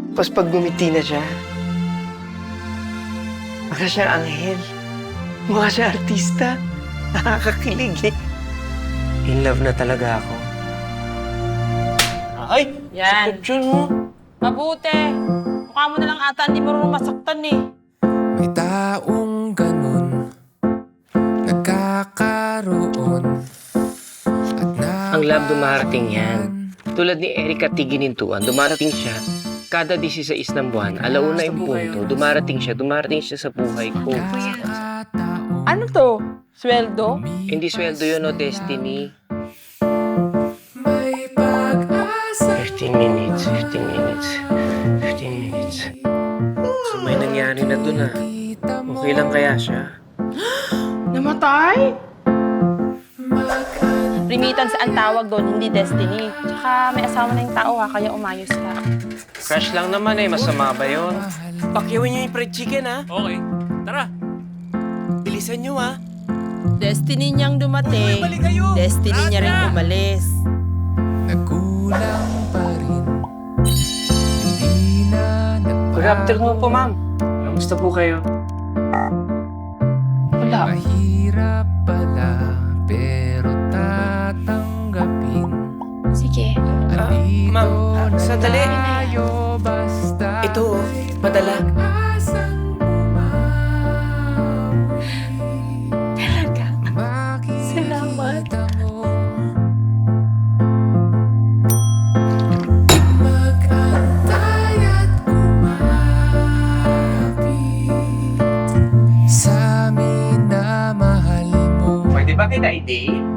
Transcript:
Tapos pag gumiti na siya, baka siyang anghel. Mukha siya artista. Nakakakilig eh. In love na talaga ako. Ay! Yan. Sakit yun mo. Mabuti. Mukha mo na lang ata hindi marunong masaktan eh. May taong ganun nagkakaroon at Ang love dumarating yan. Tulad ni Erika Tiginintuan, dumarating siya kada 16 ng buwan, alauna yung punto, dumarating siya sa buhay ko. Ano to? Sweldo? Hindi sweldo yun o destiny. may pag-asa 15 minutes. So may nangyari na dun ah. Okay lang kaya siya? Namatay? Remittance ang tawag doon, hindi destiny. Tsaka may asawa na yung tao ha, kaya umayos ka. Crush lang naman eh, masama ba yun? Pakyawin niyo yung fried chicken ha? Okay, tara. Bilisan niyo ha? Destiny niyang dumating, destiny niya rin umalis. Nagkulang pa rin hindi na Good afternoon po ma'am. Kamusta po kayo? Wala. mahirap pala pero tatanggapin. Sige. Andito ma'am, na sandali. tayo basta Ito oh, padala. asang bumawi. Talaga. Makikita Salamat. mo magantay at kumapit sa amin na mahal mo. Pwede ba kita i-date?